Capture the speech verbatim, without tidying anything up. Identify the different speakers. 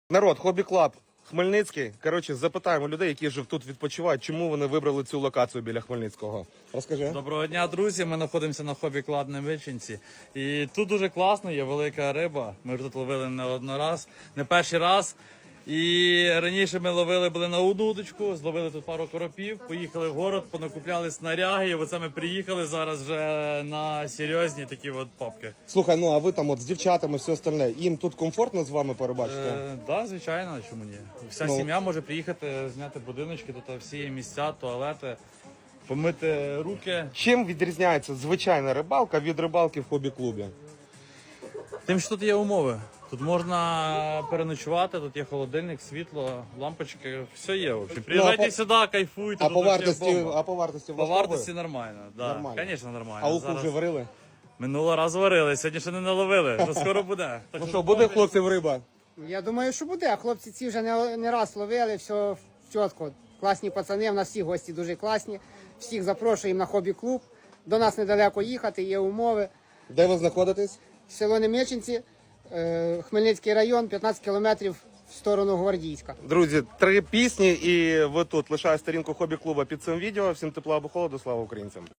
Speaker 1: Народ, Хобі Клаб, Хмельницький. Коротше, запитаємо людей, які ж тут відпочивають, чому вони вибрали цю локацію біля Хмельницького. Розкажи.
Speaker 2: Доброго дня, друзі. Ми знаходимося на Хобі Клаб Невичинці. І тут дуже класно, є велика риба. Ми вже тут ловили не один раз, не перший раз. І раніше ми ловили були на одну удочку, зловили тут пару коропів, поїхали в город, понакупляли снаряги, і оце ми приїхали зараз вже на серйозні такі от попки.
Speaker 1: Слухай, ну а ви там от з дівчатами, все остальне, їм тут комфортно з вами перебачити?
Speaker 2: Так, е, да, звичайно, чому ні? Вся
Speaker 1: Ну.
Speaker 2: сім'я може приїхати, зняти будиночки, тут всі є місця, туалети, помити руки.
Speaker 1: Чим відрізняється звичайна рибалка від рибалки в хобі-клубі?
Speaker 2: Тим, що тут є умови. Тут можна переночувати, тут є холодильник, світло, лампочки, все є. В общем. Приїжджайте
Speaker 1: Ну, а по-
Speaker 2: сюди, кайфуйте.
Speaker 1: А
Speaker 2: тут
Speaker 1: по
Speaker 2: вообще
Speaker 1: вартості,
Speaker 2: бомба.
Speaker 1: а по вартості
Speaker 2: По
Speaker 1: влаштовує?
Speaker 2: вартості нормально, да.
Speaker 1: Нормально.
Speaker 2: Звісно, нормально.
Speaker 1: А уху
Speaker 2: Зараз-
Speaker 1: вже варили?
Speaker 2: Минулого разу варили, сьогодні ще не наловили, то скоро буде. Так
Speaker 1: Ну що, буде хлопців риба?
Speaker 3: Я думаю, що буде. Хлопці ці вже не, не раз ловили, все чітко. Класні пацани, в нас всі гості дуже класні. Всіх запрошуємо на хобі-клуб. До нас недалеко їхати, є умови.
Speaker 1: Де ви знаходитесь?
Speaker 3: Село Немеченці, е, Хмельницький район, п'ятнадцять кілометрів в сторону Гвардійська.
Speaker 1: Друзі, три пісні і ви тут. Лишаю сторінку хобі-клуба під цим відео. Всім тепла або холоду, слава українцям.